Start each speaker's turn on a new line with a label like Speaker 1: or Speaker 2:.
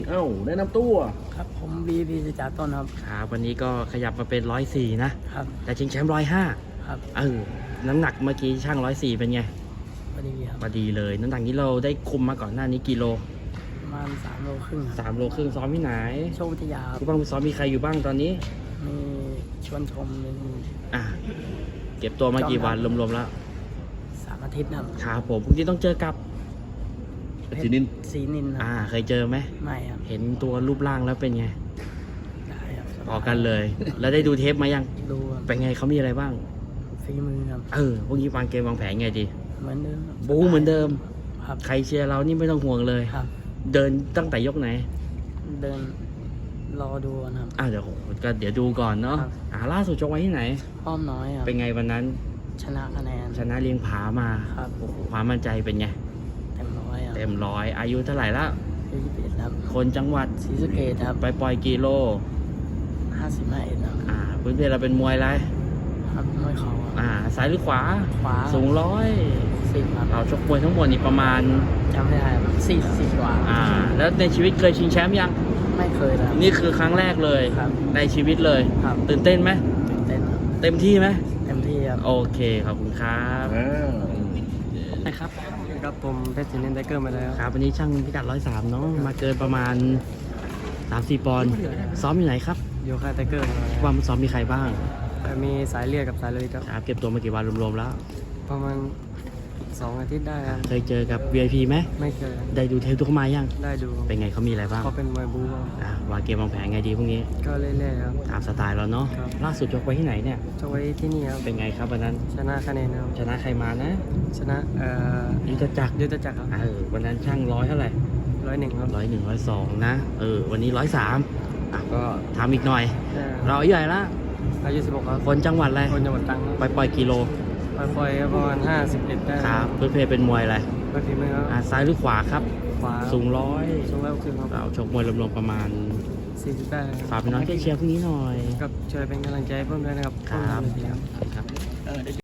Speaker 1: เอ้าแนะนำตัว
Speaker 2: ครับผมบีพีจากต้นครับ
Speaker 3: ครับวันนี้ก็ขยับมาเป็น104นะครับแต่ชิงแชมป์105
Speaker 2: ครับ
Speaker 3: น้ำหนักเมื่อกี้ช่าง104เป็นไง
Speaker 2: พอดีครับ
Speaker 3: พอดีเลยน้ำหนักนี้เราได้คุมมาก่อนหน้านี้กิโล
Speaker 2: ประมาณ3 โลครึ่งครับ
Speaker 3: 3 โลครึ่งซ้อมที่ไหน
Speaker 2: โชควิทยาครับ
Speaker 3: ผู้บังคับซ้อมมีใครอยู่บ้างตอนนี้
Speaker 2: มีชวนชมมี
Speaker 3: เก็บตัวมากี่วันรวมๆแล้ว
Speaker 2: 3 อาทิตย์
Speaker 3: ครับผมพรุ่งนี้ต้องเจอกับ
Speaker 1: สีนิน
Speaker 3: เคยเจอไหม
Speaker 2: ไม่ครับ
Speaker 3: เห็นตัวรูปร่างแล้วเป็นไง
Speaker 2: ได้ครับ
Speaker 3: พอกันเลย แล้วได้ดูเทปมายัง
Speaker 2: ดู
Speaker 3: เป็นไงเขามีอะไรบ้าง
Speaker 2: ฝีมือครับ
Speaker 3: พวกนี้วางเกมวางแผนไงดี
Speaker 2: เหมือนเดิม
Speaker 3: บู๊เหมือนเดิม
Speaker 2: ครับ
Speaker 3: ใครเชียร์เรานี่ไม่ต้องห่วงเลย
Speaker 2: ครับ
Speaker 3: เดินตั้งแต่ยกไหน
Speaker 2: เดินรอดูนะครับ
Speaker 3: เดี๋ยวดูก่อนเนาะล่าสุดจบไว้ที่ไหน
Speaker 2: อ้อมน้อยครับ
Speaker 3: เป็นไงวันนั้น
Speaker 2: ชนะคะแนน
Speaker 3: ชนะเลี้ยงผามา
Speaker 2: ครับ
Speaker 3: ความมั่นใจเป็นไง
Speaker 2: เต็มร้อย
Speaker 3: อายุเท่าไหร่แล้ว
Speaker 2: 21ครับ
Speaker 3: คนจังหวัด
Speaker 2: ศรีสะเกษครับ
Speaker 3: ไปปล่อยกิโล
Speaker 2: 55ครับ
Speaker 3: พื้นเพเราเป็นมวยอะไร
Speaker 2: ครับมวยเข่า
Speaker 3: ซ้ายหรือขวาสูง
Speaker 2: 10ครับ
Speaker 3: เราชกมวยทั้งหมดนี่ประมาณ
Speaker 2: จำไม่ได้40กว่า
Speaker 3: แล้วในชีวิตเคยชิงแชมป์ยัง
Speaker 2: ไม่เคยครับ
Speaker 3: นี่คือครั้งแรกเลยในชีวิตเลยตื่นเต้นไหม
Speaker 2: ตื่นเต้น
Speaker 3: เต็มที่ไหม
Speaker 2: เต็มที่ครับ
Speaker 3: โอเคขอบคุณครับ
Speaker 2: นะครับครับผมเพชรศรีนินไทเกอร์มาแล้ว
Speaker 3: ครับวันนี้ช่างพิกัด103เนาะมาเกินประมาณ 3-4 ปอนด์ซ้อมอยู่ไหนครับ
Speaker 2: อยู่ค่ายไทเกอร์
Speaker 3: ว่ามันซ้อมมีใครบ้าง
Speaker 2: มีสายเลือดกับสายเลย
Speaker 3: ครับเก็บตัวมากี่วันรวมๆแล้ว
Speaker 2: ประมาณ2 อาทิตย์ได้ครับ
Speaker 3: เคยเจอกับ VIP ไหม
Speaker 2: ไม่เคย
Speaker 3: ได้ดูเทปทุกเขามายัง
Speaker 2: ได้ดู
Speaker 3: เป็นไงเขามีอะไรบ้าง
Speaker 2: เขาเป็นมวยบู๊
Speaker 3: วางเกมวางแผนไงดีพวกนี้
Speaker 2: ก็เรื่อยๆครับ
Speaker 3: ตามสไตล์เราเนาะล่าสุดยกไว้ที่ไหนเนี่ย
Speaker 2: ยกไว้ที่นี่ครับ
Speaker 3: เป็นไงครับวันนั้น
Speaker 2: ชนะคะแนนครับ
Speaker 3: ชนะใครมานะ
Speaker 2: ชนะ
Speaker 3: ยุทธจักร
Speaker 2: ครับ
Speaker 3: วันนั้นช่าง100เท่าไหร่
Speaker 2: 101ครับ
Speaker 3: 101 102นะวันนี้103ก็ทำอีกหน่อยเราอายุใหญ่ละ
Speaker 2: อายุ16ครับ
Speaker 3: คนจังหวัดอะไร
Speaker 2: คนจังหวัดตรัง
Speaker 3: ไปปล่อยกิโล
Speaker 2: ปล่อยประมาณ51ได้
Speaker 3: ครับเพื่อนเป็นมวยอะไร
Speaker 2: ฝีมือครับ
Speaker 3: ซ้ายหรือขวาครับ
Speaker 2: ขวา
Speaker 3: สูง
Speaker 2: 160ครับ
Speaker 3: เราชกมวยรวมๆประมาณ
Speaker 2: 40ได้
Speaker 3: ฝากพี่น้องเชียร์พวกนี้หน่อย
Speaker 2: ครับช่วยเป็นกำลังใจเพิ่มด้วยนะครับ
Speaker 3: ครับ